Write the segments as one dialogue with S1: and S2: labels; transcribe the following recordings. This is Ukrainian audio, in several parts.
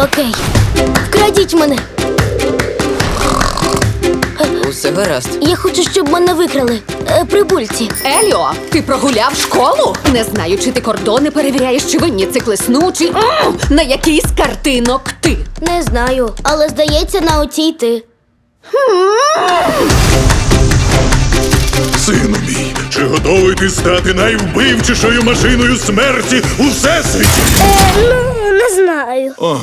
S1: Окей. Вкрадіть мене.
S2: Усе гаразд.
S1: Я хочу, щоб мене викрали. Прибульці.
S3: Еліо, ти прогуляв школу? Не знаю, чи ти кордони перевіряєш, чи винні циклесну, чи на який з картинок ти.
S1: Не знаю, але здається, на оцій ти.
S4: Сину мій, чи готовий ти стати найвбивчішою машиною смерті у всесвіті?
S1: Не знаю.
S4: Ой,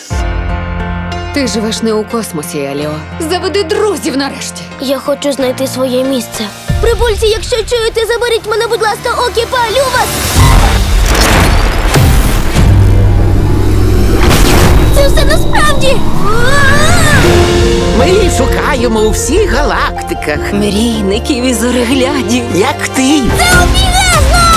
S3: Ти живеш не у космосі, Еліо. Заведи друзів нарешті.
S1: Я хочу знайти своє місце. Прибульці, якщо чуєте, заберіть мене, будь ласка, окі, палю вас! Це все насправді!
S5: Ми її шукаємо у всіх галактиках.
S2: Мрійників і зореглядів.
S5: Як ти?
S1: Це обігезно!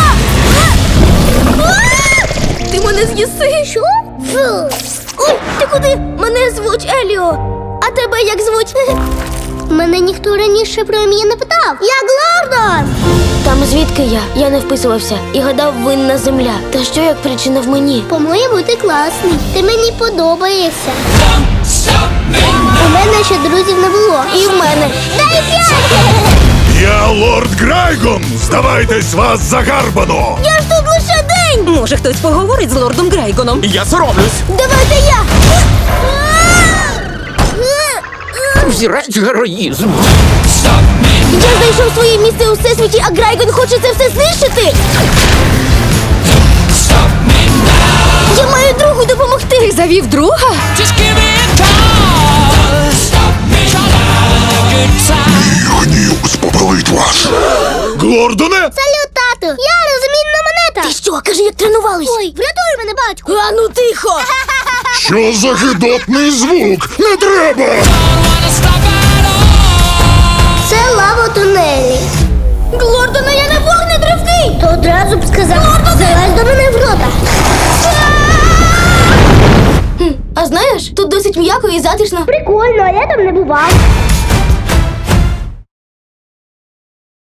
S1: Ти мене з'їси? Що? Ой, ти куди? Мене звуть Еліо. А тебе як звуть? Мене ніхто раніше про ім'я не питав. Я Глордон! Там звідки я? Я не вписувався і гадав, винна земля. Та що як причина в мені?
S6: По-моєму, ти класний. Ти мені подобаєшся. У мене ще друзів не було.
S1: І в мене.
S6: Дай 5!
S4: я лорд Грайгон! Здавайтесь, вас загарбано!
S1: Я ж тут лише день!
S2: Може, хтось поговорить з лордом Грайгоном?
S5: Я соромлюсь.
S1: Давайте я!
S5: Взірець героїзму.
S1: Я знайшов своє місце у всесвіті, а Грайгон хоче це все знищити! Я маю другу допомогти!
S3: Ти завів друга?
S4: Гнів спопелить вас! Глордоне!
S6: Салют, тату! Я розмінна монета!
S1: Ти що, кажи, як тренувались?
S6: Ой, врятуй мене, батьку!
S1: А ну тихо!
S4: Що за гидотний звук? Не треба!
S6: Це лава у тунелі.
S1: Глордона, я не вогнетривкий!
S6: То одразу б сказав, залазь до мене в рота.
S1: А знаєш, тут досить м'яко і затишно.
S6: Прикольно, а я там не бував.